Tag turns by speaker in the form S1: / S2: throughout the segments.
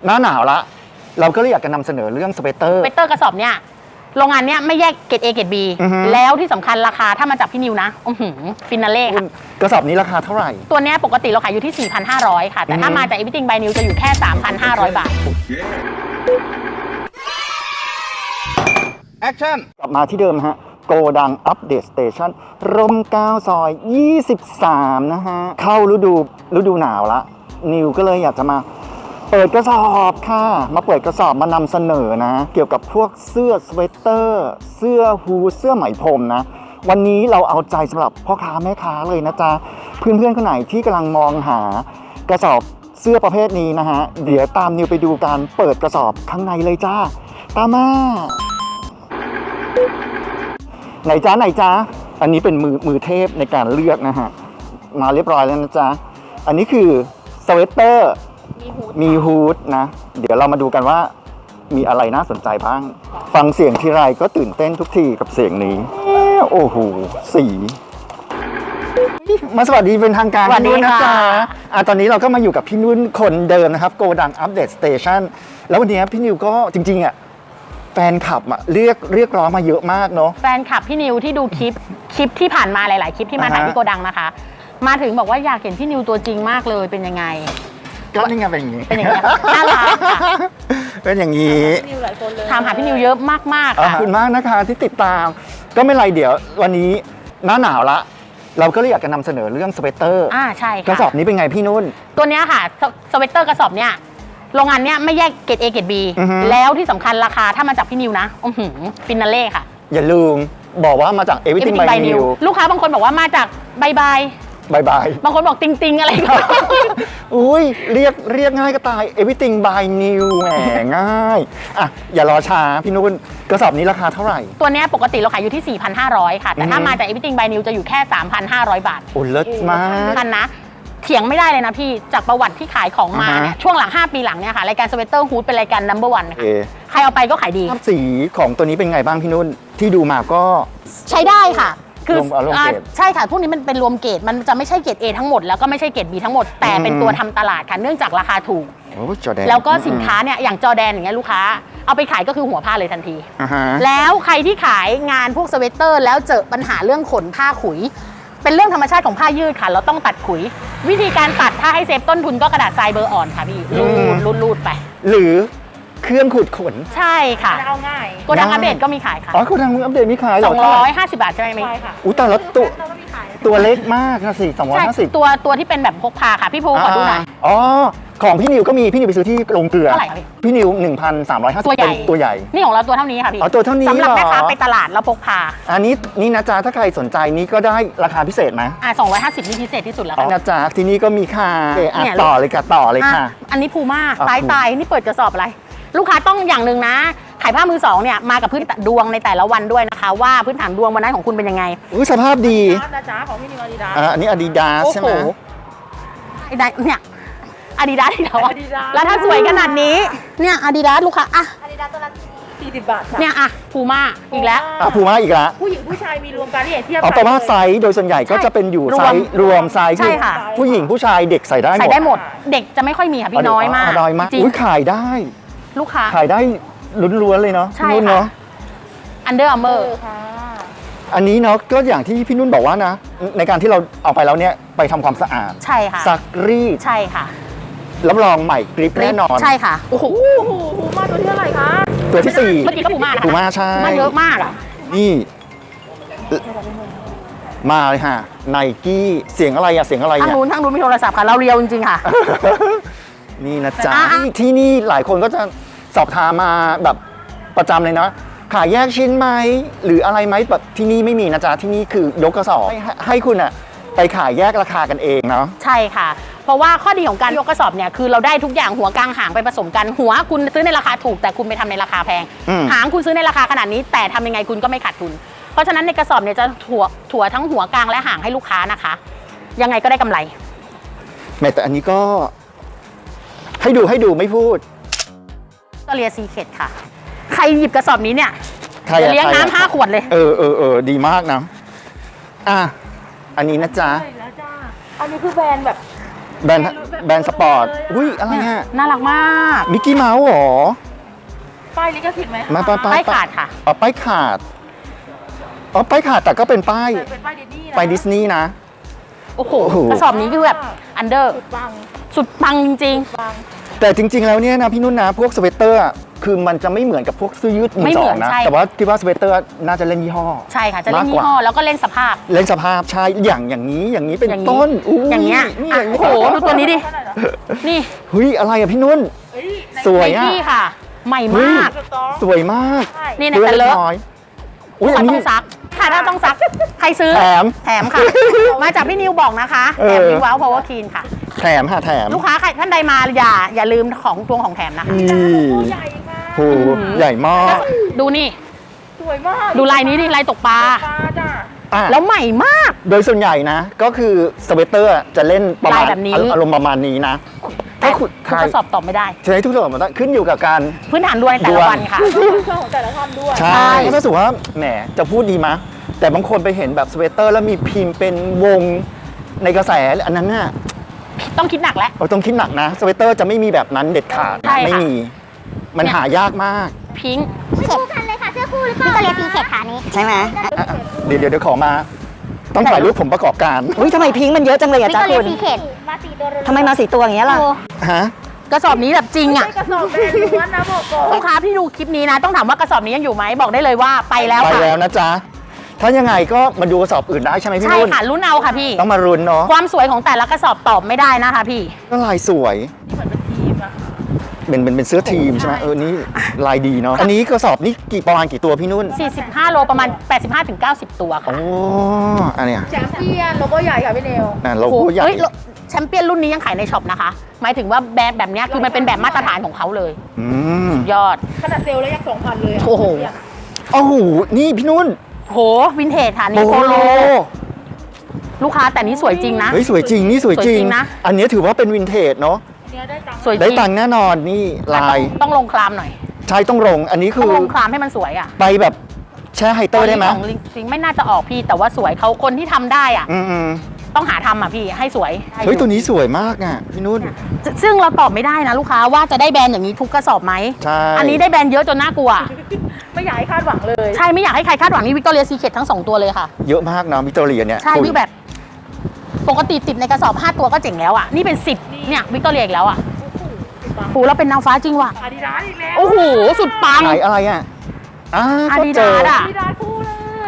S1: หน้าหนาวละเราก็เลยอยากจะนำเสนอเรื่องสเวตเตอร์
S2: กระสอบเนี่ยโรงงานเนี้ยไม่แยกเกรด A เกรด B แล้วที่สำคัญราคาถ้ามาจากพี่นิวนะฟินาเล่ค่ะ
S1: กระสอบนี้ราคาเท่าไหร่
S2: ตัวเนี้ยปกติเราขายอยู่ที่ 4,500 ค่ะแต่ถ้ามาจาก Everything by New จะอยู่แค่ 3,500 บาท
S1: แอคชั่นกลับมาที่เดิมฮะโกดังอัปเดตสเตชันร่ม9 ซอย 23 นะฮะเข้าฤดูหนาวละนิวก็เลยอยากจะมาเปิดกระสอบค่ะมาเปิดกระสอบมานำเสนอนะเกี่ยวกับพวกเสื้อสเวตเตอร์เสื้อฮูดเสื้อไหมพรมนะวันนี้เราเอาใจสำหรับพ่อค้าแม่ค้าเลยนะจ๊ะเพื่อนๆคนไหนที่กำลังมองหากระสอบเสื้อประเภทนี้นะฮะเดี๋ยวตามนิวไปดูการเปิดกระสอบข้างในเลยจ้าตามมาไหนจ๊ะอันนี้เป็นมือเทพในการเลือกนะฮะมาเรียบร้อยแล้วนะจ๊ะอันนี้คือสเวตเตอร์มีฮูดนะเดี๋ยวเรามาดูกันว่ามีอะไรน่าสนใจบ้างฟังเสียงทีไรก็ตื่นเต้นทุกทีกับเสียงนี้โอ้โหสีมาสวัสดีเป็นทางการพี่นุ่นนะจ๊ะตอนนี้เราก็มาอยู่กับพี่นุ่นคนเดิมนะครับโกดังอัปเดตสเตชันแล้ววันนี้พี่นิวก็จริงๆแฟนคลับเรียกร้องมาเยอะมากเนาะ
S2: แฟนคลับพี่นิวที่ดูคลิปที่ผ่านมาหลายๆคลิปที่มาถ่ายที่โกดังนะคะมาถึงบอกว่าอยากเห็นพี่นิวตัวจริงมากเลยเป็นยังไง
S1: ก็นี่ไงเป็นอย่างนี้
S2: น่ารักค่ะ
S1: เป็นอย่างนี้
S2: ถามหาพี่นิวเยอะมากๆค่ะ
S1: ขอบคุณมากนะคะที่ติดตามก็ไม่ไรเดี๋ยววันนี้หน้าหนาวละเราก็เลยอยากจะนำเสนอเรื่องสเวตเตอร์
S2: ใช่ค่ะ
S1: กระสอบนี้เป็นไงพี่นุ่น
S2: ตัวเนี้ยค่ะสเวตเตอร์กระสอบเนี้ยโรงงานเนี้ยไม่แยกเกรด A เกรด B แล้วที่สำคัญราคาถ้ามาจากพี่นิวนะฟินาเล่ค่ะ
S1: อย่าลืมบอกว่ามาจาก Everything by New
S2: ลูกค้าบางคนบอกว่ามาจากบายบายบางคนบอกติงอะไรก็
S1: อุ้ยเรียกง่ายก็ตาย Everything by New แหมง่ายอย่ารอช้าพี่นุ่นกระสอบนี้ราคาเท่าไหร่
S2: ตัวเนี้ยปกติเราขายอยู่ที่ 4,500 ค่ะแต่ถ้ามาจาก Everything by New จะอยู่แค่ 3,500 บาท
S1: โอ้เลิศมาก
S2: กันนะเถียงไม่ได้เลยนะพี่จากประวัติที่ขายของมาเนี่ยช่วงหลัง5 ปีหลังเนี่ยค่ะรายการสเวตเตอร์ฮูดเป็นรายการ number 1 ค่ะใครเอาไปก็ขายดี
S1: สีของตัวนี้เป็นไงบ้างพี่นุ่นที่ดูมาก็
S2: ใช้ได้ค่ะคือใช่ค่ะพวกนี้มันเป็นรวมเกรดมันจะไม่ใช่เกรด A ทั้งหมดแล้วก็ไม่ใช่เกรด B ทั้งหมดแต่เป็นตัวทำตลาดค่ะเนื่องจากราคาถูกแล้วก็สินค้าเนี่ยอย่างจอแดนอย่างเงี้ยลูกค้าเอาไปขายก็คือหัวผ้าเลยทันทีแล้วใครที่ขายงานพวกสเวตเตอร์แล้วเจอปัญหาเรื่องขนผ้าขุยเป็นเรื่องธรรมชาติของผ้ายืดค่ะเราต้องตัดขุยวิธีการตัดถ้าให้เซฟต้นทุนก็กระดาษทรายเบอร์อ่อนค่ะพี่รูดไป
S1: หรือเครื่องขูดขน
S2: ใช่ค่ะเอาง่ายโกดังอัปเดตก็มีขายค่ะ
S1: โกดังอัปเดตมีขาย
S2: 250 บาทใช่ไหมใช่ค่ะ
S1: แต่ละตัวเล็กมากนะสิ250
S2: ตัวที่เป็นแบบพกพาค่ะพี่ภูขอดูหน่อย
S1: ของพี่นิวก็มีพี่นิวไปซื้อที่โรงเกลือพี่นิว 1,350 ตัวใหญ่
S2: นี่ของเราตัวเท่านี้ค่ะพี่
S1: ตัวเท่านี้
S2: สำหรับแม่ค้าไปตลาดแล้วพกพา
S1: อันนี้นี่นะจ๊ะถ้าใครสนใจนี่ก็ได้ราคาพิเศษไหม
S2: 250นี่พิเศษที่สุดแล้วค่ะ
S1: นะจ๊ะที่นี่ก็มีค่ะต่อเลยค่ะ
S2: อันนี้ภูม่าตายนี่เปิดกระสอบอะไรลูกค้าต้องอย่างหนึ่งนะขายผ้ามือสองเนี่ยมากับพื้นดวงในแต่ละวันด้วยนะคะว่าพื้นฐานดวงวันนั้นของคุณเป็นยังไง
S1: สภาพดี
S2: นะจ๊ะของพี่นิวอาดิดาส
S1: อันนี้อาดิดาสใช่ไหม
S2: เนี่ยอาดิดาสแล้วถ้าสวยขนาดนี้เนี่ยอาดิดาสลูกค้าอาดิดาสตัวละ40 บาทเนี่ยพูม่าอีกแล้ว
S1: พูม่าอีกแล้ว
S2: ผู้หญิงผู้ชายมีรวมกันที่เทียบ
S1: กันแต่ว่าไซส์โดยส่วนใหญ่ก็จะเป็นอยู่ไซส์รวมไซส์คือผู้หญิงผู้ชายเด็กใส่ได้
S2: หมดเด็กจะไม่ค่อยมีค่ะพี่น้อยมาก
S1: ขายได้
S2: ลูกค้า
S1: ขายได้ล้วนๆเลยเนาะ
S2: นุ่นเนาะUnder Armour
S1: อันนี้เนาะก็อย่างที่พี่นุ่นบอกว่านะในการที่เราเอาไปแล้วเนี่ยไปทำความสะอาด
S2: ใช่ค่ะ
S1: ซักรีด
S2: ใช่ค่ะ
S1: รับรองใหม่กริปแน่นอน
S2: ใช่ค่ะ
S3: โอ้โหพูม่าตัวที่เท่าไหร่คะ
S1: ตัวที่4
S2: เมื่อกี้ก็พูม่านะคะ
S1: พูม่าใช่
S2: มันเยอะมาก
S1: นี่มาเลยค่ะไนกี้เสียงอะไรทาง
S2: นู้นมีโทรศัพท์ค่ะเราเรียวจริงๆค่ะ
S1: นี่นะจ๊ะที่นี่หลายคนก็จะสอบถามมาแบบประจำเลยนะขายแยกชิ้นไหมหรืออะไรไหมแบบที่นี่ไม่มีนะจ๊ะที่นี่คือยกกระสอบให้คุณไปขายแยกราคากันเองเนาะ
S2: ใช่ค่ะเพราะว่าข้อดีของการยกกระสอบเนี่ยคือเราได้ทุกอย่างหัวกลางหางไปผสมกันหัวคุณซื้อในราคาถูกแต่คุณไปทำในราคาแพงหางคุณซื้อในราคาขนาดนี้แต่ทำยังไงคุณก็ไม่ขาดทุนเพราะฉะนั้นในกระสอบเนี่ยจะถั่วทั้งหัวกลางและหางให้ลูกค้านะคะยังไงก็ได้กำไร
S1: แม้แต่อันนี้ก็ให้ดูไม่พูด
S2: ก็เรียซีเคทค่ะใครหยิบกระสอบนี้เนี่ยจะเลี้ยงน้ำ5 ขวดเลย
S1: ดีมากนะอันนี้นะจ๊ะ
S3: อันนี้คือแบรนด์แบบ
S1: แบรนด์สปอร์ตอุ้ยอะไรเนี่ย
S2: น่ารักมาก
S1: มิกกี้เมาส์หรอ
S3: ป้ายลิขสิทธิ์ไหมคะ
S1: มา
S2: ป้ายขาดค่ะ
S1: อ๋อป้ายขาดแต่ก็เป็นป้าย
S3: เป็นป้ายดิสนีย์นะ
S1: ไปดิสนีย์นะ
S2: โอ้โห
S1: โอ้โห
S2: กระสอบนี้คือแบบอันเดอร์
S3: สุดปัง
S2: สุดปังจริง
S3: ปัง
S1: แต่จริง ๆ แล้วเนี่ยนะพี่นุ่นนะพวกสเวตเตอร์อะคือมันจะไม่เหมือนกับพวกเสื้อยืดมือ
S2: ไม่
S1: ส
S2: เห
S1: อ
S2: มือง น
S1: นะ
S2: ใช่
S1: แต่ว่าคิดว่าสเวตเตอร์น่าจะเล่นยี่ห้อ
S2: ๆ ใช่ค่ะ จะเล่น
S1: มากก
S2: ยี่
S1: ว่า
S2: ห้อแล้วก็เล่นสภาพ
S1: เล่นสภาพใช่อย่างนี้เป็น
S2: อย่างนี้
S1: ต้น
S2: อย่างเงี้ย
S1: นี่
S2: อ่ะโอ้โหดูตัวนี้ดิ นี่
S1: เฮ้ยอะไรอะพี่นุ่น
S3: เฮ้ย
S1: สวย
S2: ไน
S1: อะ
S2: กี้ค่ะ ใหม่
S1: เฮ้ย
S2: มาก
S3: สตอง
S1: สวยมาก
S3: ใช่
S2: นี่ใน
S1: เพื่
S2: แต่
S1: อน
S2: เล
S1: เล็ก
S2: อะ
S1: น้อยอุ้ย
S2: ถ้า
S1: อัน
S2: ต้
S1: นี้
S2: องซัก ใครถ้าต้องซัก ใครซื้อ
S1: แถม
S2: แถมค่ะ มาจากพี่นิวบอกนะคะ
S1: เอ
S2: แถ
S1: อ
S2: มวิวว้าวพาวเวอร์คีนค่ะ
S1: แถมแถม
S2: ลูกค้าใครท่านใดมาอย่าลืมของตวงของแถมนะคะ
S1: นี่
S3: ตัวใหญ่ค่ะ
S1: โหใหญ่มาก
S2: ดูนี่
S3: สวยมาก
S2: ดูลายนี้ดิลายตกปลา
S3: ปลาจ้ะ
S1: อ่ะ
S2: แล้วใหม่มาก
S1: โดยส่วนใหญ่นะ ก็คือสเวตเตอร์จะเล่นประมาณ
S2: ลายแบบนี้
S1: อารมณ์ประมาณนี้นะ
S2: แต่
S1: ถ้าคุณ
S2: ทุกกระสอบตอบไม่ได้
S1: ใช้ทุกส่วนมันขึ้นอยู่กับการ
S2: พื้นฐานด้วยแต่
S1: ด
S2: ละ
S1: วง
S2: วันค่ะ
S3: เครื่องของแต่ละท่านด้วย
S1: ใช่
S2: ใช่
S1: ถ้าสมมติว่าแหมจะพูดดีมะ แต่บางคนไปเห็นแบบสเวตเตอร์แล้วมีพิมพ์เป็นวงในกระแสอันนั้นน่ะ
S2: ต้องคิดหนักแล้ว
S1: เราต้องคิดหนักนะสเวตเตอร์จะไม่มีแบบนั้นเด็ดขาด
S2: ใช่ค่ะ
S1: ไม่มี มันหายากมาก
S2: พิงค์
S4: คู่กันเลยค่ะเสื้อคู่หรือเปล่าวิกตอเรียซีเคทค่ะนี้ใช่ไหม
S1: อ่ะเดี๋ยวขอมา ต้องถ่ายรูปผมประกอบการ
S5: อุ้ยทำไมพิงค์มันเยอะจังเลย
S4: วิ
S5: อะ
S4: ก
S5: จ๊ะ
S4: ตอเรี
S5: คุ
S4: ย
S5: ณ
S4: ซีเคท
S3: มา4ตัวเลย
S5: ทำไมมาสีตัวอย่างเงี้ยล่ะ
S1: ฮะ
S2: กระสอบนี้แบบจริงอ่ะ
S3: กระสอบแบรนด์ล้วนนะบอกก่อน
S2: ลูกค้าที่ดูคลิปนี้นะ ต้องถามว่ากระสอบนี้ยังอยู่ไหมบอกได้เลยว่าไปแล้ว
S1: ไป
S2: ค่ะ
S1: แล้วนะจ๊ะ ถ้ายังไงก็มาดูกระสอบอื่นได้ใช่ไหมพี่
S2: ใช่
S1: นุ่น
S2: ค่ะรุ่นเอาค่ะพี่
S1: ต้องมารุนเนาะ
S2: ความสวยของแต่ละกระสอบตอบไม่ได้นะคะพี่
S1: ก็ลายสวย
S3: นี่เหมือนเป็นทีมอะ
S1: เป็นเสื้อทีมใช่ไหมนี่ลายดีเนาะ อันนี้กระสอบนี่ประมาณกี่ตัวพี่นุ่น
S2: 45 โลประมาณ 85-90 ตัวค่ะ
S1: โอ้อันเนี้ย
S3: แชมเปี้ยนโลโก้ใหญ่ค่ะพี่เนว
S1: นั่นโลโก้ใหญ่
S2: เฮ้ยแชมเปี้ยนรุ่นนี้ยังขายในช็อปนะคะ หมายถึงว่าแบบเนี้ยคือมันเป็นแบบมาตรฐานของเขาเลย
S1: อืม
S2: ยอด
S3: ขนาดเซลล์แล้วยัง 2,000 เลยะ
S2: โอ้โห
S1: โอ้โห นี่พี่นุ่น
S2: โหวินเทจค่ะ
S1: โป
S2: นี่โป
S1: โล
S2: โลลูกค้าแต่นี้สวยจริงนะ
S1: เฮ้ยสวยจริง นี่สวยจริ
S2: สวยจริงนะ
S1: อันนี้ถือว่าเป็นวินเทจเนาะ
S3: เนี่ยได้ตังค์
S2: สวยจ
S1: ได้
S2: ริง
S1: ตังค์แน่นอนนี่ลาย
S2: ต้องลงคลามหน่อย
S1: ใช่ต้องลง อันนี้คื
S2: ต้อง
S1: อ
S2: ลงคลามให้มันสวยอ่ะ
S1: ไปแบบแช่ไฮเตอร์ได้ไหม
S2: ของจริงไม่น่าจะออกพี่แต่ว่าสวยเขาคนที่ทำได้อ่ะ
S1: อืม
S2: ต้องหาทำอ่ะพี่ให้สวย
S1: เฮ้ยตัวนี้สวยมากอ่ะพี่นุ่น
S2: ซึ่งเราตอบไม่ได้นะลูกค้าว่าจะได้แบรนด์อย่างนี้ทุกกระสอบไหม
S1: ใช่
S2: อันนี้ได้แบรนด์เยอะจนน่ากลัว
S3: ไม่อยากให้คาดหวังเลย
S2: ใช่ไม่อยากให้ใครคาดหวังนี่วิกตอเรียซีเคททั้ง 2 ตัวเลยค่ะ
S1: เยอะมากนะวิกตอเรียเนี่ย
S2: ใช่
S1: คุณ
S2: พี่แบบ ปกติติดในกระสอบ 5 ตัวก็เจ๋งแล้วอ่ะ นี่เป็น 10เนี่ยวิกตอเรียอีกแล้วอ่ะโหเราเป็นนางฟ้าจริงว่ะ
S3: อาดิดาสอีกแล้ว
S2: โอ้โห สุดปัง
S1: ขายอะไรอ่ะก็เจ
S2: Adidas อะ
S3: อาดิดาสคู่เลย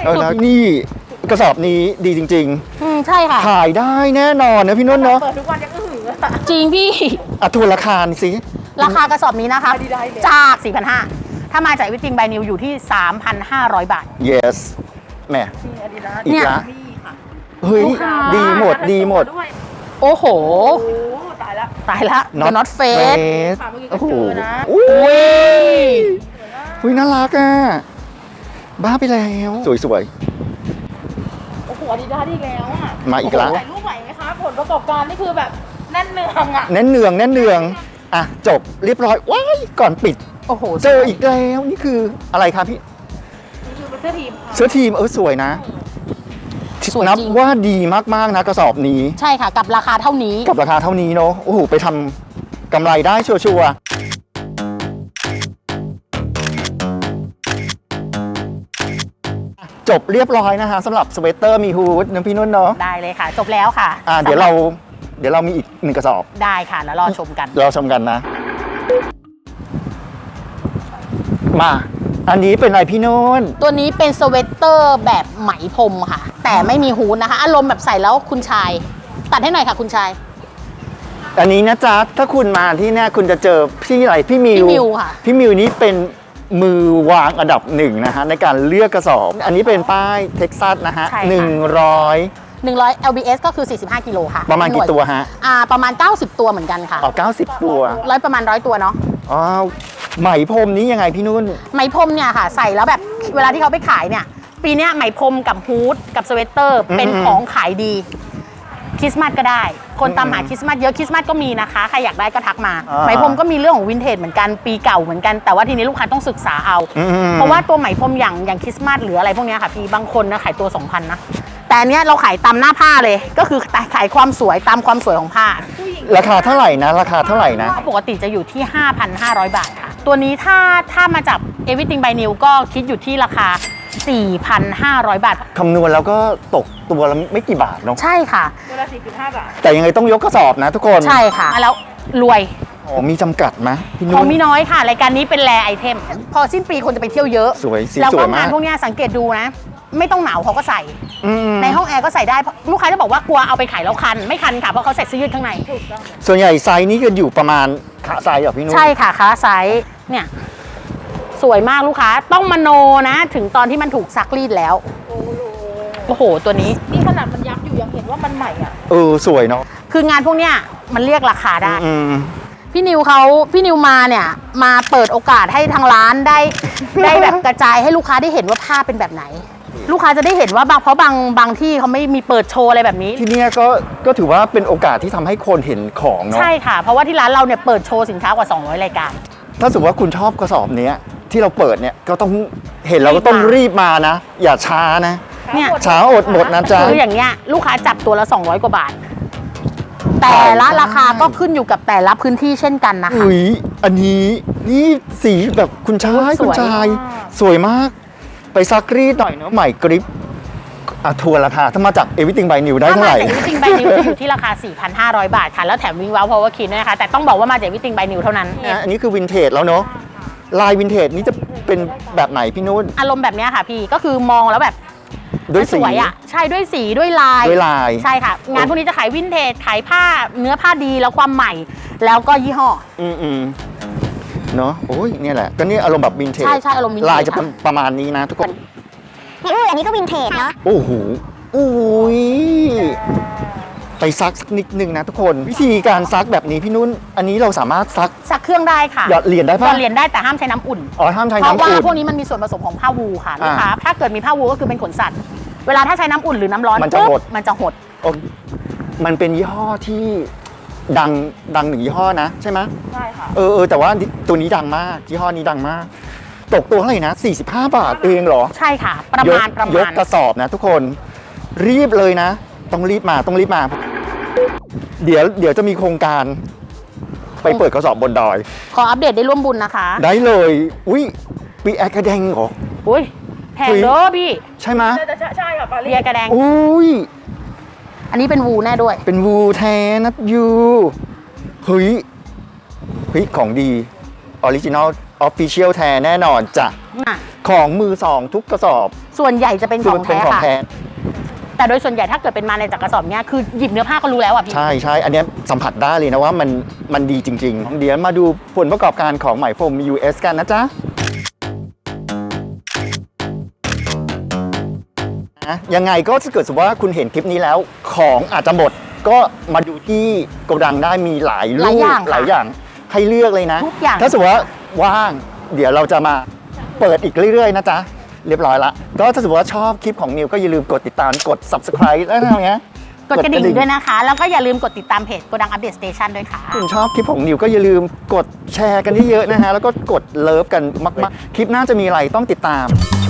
S1: แล้วนี่กระสอบนี้ดีจริง
S2: ใช่ค่ะ
S1: ๆ ขายได้แน่นอนนะพี่นุ่นเนาะ
S3: เปิดทุกวันยังอื้อหืออะ
S2: จริงพี่
S1: อ่ะทวนราคาหน่อยสิ
S2: ราคากระสอบนี้นะคะ
S3: Adidas เลย
S2: จาก 4,500 ถ้ามาจากวิติงไบนิวอยู่ที่ 3,500 บาท
S1: yes แหม
S3: นี่อาดิดาส
S1: อีกละ
S3: นี่ค่ะ
S1: เฮ้ย
S2: ลูกค้า
S1: ดีหมดดีหมด
S3: ด้วย
S2: โอ้โห
S3: โอ้โหตายละ
S2: ตายละ The Not Face
S1: Face
S3: ค่ะเมื่อกี้ก็
S1: โอ้โห
S3: เจอนะ
S1: อุ้
S2: อุ้ย
S1: ยน่ารักอ่ะ บ้าไปแล้ว สวย
S3: โอ้โหอาดิดาสอีกแล้วอ่ะ
S1: มาอีกละ
S3: โโหถ่ายรูปไหวไหมคะผลประกอบการนี่คือแบบแน่นเนืองอ่ะ
S1: ๆแน่นเนืองอ่ะ จบเรียบร้อย ว้าย ก่อนปิด
S2: โอ้โห
S1: เจออีกแล้ว นี่คืออะไรครับพี่
S3: นี่คือเป็นเสื้อทีมค่ะ
S1: เสื้อทีมสวยนะ
S2: สวย
S1: นับ
S2: จริง
S1: ว่าดีมากๆนะกระสอบนี้
S2: ใช่ค่ะ กับราคาเท่านี้
S1: กับราคาเท่านี้เนาะ โอ้โห ไปทำกำไรได้ชัวร์ๆจบเรียบร้อยนะคะสำหรับสเวตเตอร์มีฮูดนะพี่นุ่นเนาะ
S2: ได้เลยค่ะ จบแล้วค่ะ
S1: เดี๋ยวเรามีอีก1กระสอบ
S2: ได้ค่ะ แล้วรอชมกัน
S1: เราชมกันนะ มา อันนี้เป็นอะไรพี่นุ่น
S2: ตัวนี้เป็นสเวตเตอร์แบบไหมพรมค่ะ แต่ไม่มีฮูดนะคะ อารมณ์แบบใส่แล้วคุณชาย ตัดให้หน่อยค่ะคุณชาย
S1: อันนี้นะจ๊ะ ถ้าคุณมาที่เนี่ยคุณจะเจอพี่อะไรพี่มิว
S2: พี่มิวค่ะ
S1: พี่มิวนี้เป็นมือวางอันดับ1นะฮะในการเลือกกระสอบ อันนี้เป็นป้ายเท็กซัสนะฮะ
S2: ใช่ค่ะ
S1: 100
S2: 100 LBS ก็คือ 45 กิโลค่ะ
S1: ประมาณกี่ตัวฮะ
S2: ประมาณ 90 ตัวเหมือนกันค่ะ
S1: อ๋อ90 ตัว
S2: ประมาณ 100 ตัวเนาะ
S1: อ๋อไหมพรมนี้ยังไงพี่นุ่น
S2: ไหมพรมเนี่ยค่ะ ใส่แล้วแบบเวลาที่เขาไปขายเนี่ย ปีเนี้ยไหมพรมกับฮูดกับสเวตเตอร์เป็นของขายดี คริสต์มาสก็ได้ คนตามหาคริสต์มาสเยอะคริสต์มาสก็มีนะคะ ใครอยากได้ก็ทักมา ไหมพรมก็มีเรื่องของวินเทจเหมือนกัน ปีเก่าเหมือนกัน แต่ว่าทีนี้ลูกค้าต้องศึกษาเอา เพราะว่าตัวไหมพรมอย่างคริสต์มาสหรืออะไรพวกเนี้ยค่ะพี่ บางคนนะขายตัว 2,000 นะ แแต่อันเนี้ยเราขายตามหน้าผ้าเลย ก็คือขายความสวยตามความสวยของผ้า
S1: ราคาเท่าไหร่นะ ราคาเท่าไหร่นะ
S2: ปกติจะอยู่ที่ 5,500 บาทค่ะ ตัวนี้ถ้ามาจาก Everything by New ก็คิดอยู่ที่ราคา 4,500 บาท
S1: คำนวณแล้วก็ตกตัวละไม่กี่บาทเนาะ
S2: ใช่ค่ะ
S3: ตัวละ4.5 บาท
S1: แต่ยังไงต้องยกกระสอบนะทุกคน
S2: ใช่ค่ะ แล้วรวย
S1: อ๋อมีจำกัดไหมพี่
S2: ข
S1: นุ่
S2: อง
S1: น
S2: มีน้อยค่ะ รายการนี้เป็นแรไอเทม พอสิ้นปีคนจะไปเที่ยวเยอะ
S1: สวยสี
S2: แล้ว
S1: ส
S2: ก็
S1: วยมาง
S2: าก นพวกเนี้ยสังเกตดูนะ ไม่ต้องหนาวเขาก็ใส่
S1: อืม
S2: ในห้องแอร์ก็ใส่ได้เพราะลูกค้าจะบอกว่ากลัวเอาไปขายแล้วคัน ไม่คันค่ะ เพราะเขาใส่เสื้อยืดข้างใน
S1: ส่วนใหญ่ไซส์นี้ก็อยู่ประมาณขาไซส์เหรอพี่นุ่น
S2: ใช่ค่ะค้าไซส์เนี่ยสวยมากลูกค้าต้องมโนนะ ถึงตอนที่มันถูกซักรีดแล้ว โอ้โห ตัวนี้
S3: นี่ขนาดมันยับอยู่ยังเห็นว่ามันใหม่อ่ะ
S1: สวยเนาะ
S2: คืองานพวกเนี้ยมันเรียกราคาได้
S1: อืม
S2: พี่นิวมาเนี่ยมาเปิดโอกาสให้ทางร้านได้ ได้แบบกระจายให้ลูกค้าได้เห็นว่าผ้าเป็นแบบไหน ลูกค้าจะได้เห็นว่าเพราะบางที่เขาไม่มีเปิดโชว์อะไรแบบนี้
S1: ที่เนี่ยก็ถือว่าเป็นโอกาสที่ทำให้คนเห็นของเนาะ
S2: ใช่ค่ะ เพราะว่าที่ร้านเราเนี่ยเปิดโชว์สินค้ากว่า 200 รายการ
S1: ถ้าสมมติว่าคุณชอบกระสอบเนี้ยที่เราเปิดเนี่ยก็ต้องเห็นเราก็ต้องรีบมานะ อย่าช้านะ
S2: เนี่ย
S1: ช้าอดหมดนะจ๊ะ
S2: คืออย่างเงี้ยลูกค้าจับตัวละ200 กว่าบาท แต่ละราคาก็ขึ้นอยู่กับแต่ละพื้นที่เช่นกันนะคะ
S1: อุ้ยอันนี้นี่สีแบบคุณชาย
S2: สวย
S1: คุณชายสวยมาก ไปซักรีดหน่อยเนาะใหม่กริปทัวร์ราคาถ้ามาจาก Everything by New ได้
S2: ถ้า
S1: เท่า
S2: มา
S1: ไหร่
S2: จาก Everything by New จะอยู่ที่ราคา 4,500 บาทค่ะ แล้วแถมวิ่งว้าว Power Key ด้วยนะคะ แต่ต้องบอกว่ามาจาก Everything by New เท่านั้น
S1: อันนี้คือวินเทจแล้วเนาะลายวินเทจนี่จะเป็นแบบไหนพี่นุ่น
S2: อารมณ์แบบเนี้ยค่ะพี่ก็คือมองแล้วแบบ
S1: ด้วย
S2: มัน
S1: สี
S2: สวยอ่ะใช่ด้วยสีด้วยลาย
S1: ด้วยลาย
S2: ใช่ค่ะ งานพวกนี้จะขายวินเทจขายผ้าเนื้อผ้าดีแล้วความใหม่ แล้วก็ยี่ห้อ
S1: อืมเนาะโอ้ยเนี่ยแหละก็นี่อารมณ์แบบวินเทจ
S2: ใช่อารมณ์วินเทจ
S1: ลายจะเป็นประมาณนี้นะทุกคน
S4: อันนี้ก็วินเทจเนาะ
S1: โอ้โหอุ้ยไปซักสักนิดนึงนะทุกคนวิธีการซักแบบนี้พี่นุ่น อันนี้เราสามารถซัก
S2: เครื่องได้ค่ะ
S1: หยอดเหรียญได้
S2: หย
S1: ปะ
S2: อดเหรียญได้แต่ห้ามใช้น้ำอุ่น
S1: อ๋อห้ามใช้
S2: เพราะ
S1: น้ำ
S2: ว่า
S1: อุ่น
S2: พวกนี้มันมีส่วนผสมของผ้าวูลค่ะลูกค้า
S1: อ่า
S2: ถ้าเกิดมีผ้าวูลก็คือเป็นขนสัตว์ เวลาถ้าใช้น้ำอุ่นหรือน้ำร้อน
S1: มันจะหด
S2: ปุ๊บมันจะหด
S1: โอ้มันเป็นยี่ห้อที่ดังหนึ่งยี่ห้อนะใช่ไหม
S3: ใช่ค่ะ
S1: แต่ว่าตัวนี้ดังมากยี่ห้อนี้ดังมาก ตกตัวเท่าไหร่นะ45 บาทเองเหรอ
S2: ใช่ค่ะ ประมาณ
S1: ยกกระสอบนะทุกคนรีบเลยนะ ต้องรีบมา เดี๋ยวจะมีโครงการ ไปเปิดกระสอบบนดอย
S2: ขออัปเดตได้ร่วมบุญนะคะ
S1: ได้เลยอุ้ยปีแอร์กระแดงเหรอ
S2: อุ้ยแพงเด้อพี่
S1: ใช่ไหม
S3: ใช่ค่ะปารี
S2: เบียร์กระแดง
S1: อุ้ย
S2: อันนี้เป็นวูแน่ด้วย
S1: เป็นวูแท้นะยูเฮ้ยของดีออริจินอลออฟฟิเชียลแท้แน่นอนจ้ะ
S2: อ่ะ
S1: ของมือสองทุกกระสอบ
S2: ส่วนใหญ่จะเป็นของ
S1: เป็น
S2: แท้
S1: ของ
S2: ค่ะ
S1: แท้
S2: แต่โดยส่วนใหญ่ถ้าเกิดเป็นมาในจากกระสอบเนี้ยคือหยิบเนื้อผ้าก็รู้แล้วอ่ะพี่
S1: ใช่ อันเนี้ยสัมผัสได้เลยนะว่ามันดีจริงๆ เดี๋ยวมาดูผลประกอบการของไหมพรม US กันนะจ๊ะยังไงก็ถ้าเกิดสมมติว่าคุณเห็นคลิปนี้แล้ว ของอาจจะหมด ก็มาดูที่โกดังได้มีหลายรูปหลายอย่างให้เลือกเลยนะ
S2: ทุกอย่าง
S1: ถ้าสมมติว่าว่าง เดี๋ยวเราจะมาเปิดอีกเรื่อยๆนะจ๊ะ เรียบร้อยละ ก็ถ้าสมมติว่าชอบคลิปของนิวก็อย่าลืมกดติดตามกด subscribe แล้วอะไรเงี้ย
S2: กดกระดิ่งด้วยนะคะ แล้วก็อย่าลืมกดติดตามเพจโกดังอัปเดตสเตชันด้วยค่ะ
S1: คุณชอบคลิปของนิวก็อย่าลืมกดแชร์กันเยอะๆนะฮะ แล้วก็กดเลิฟกันมากๆ คลิปหน้าจะมีอะไรต้องติดตาม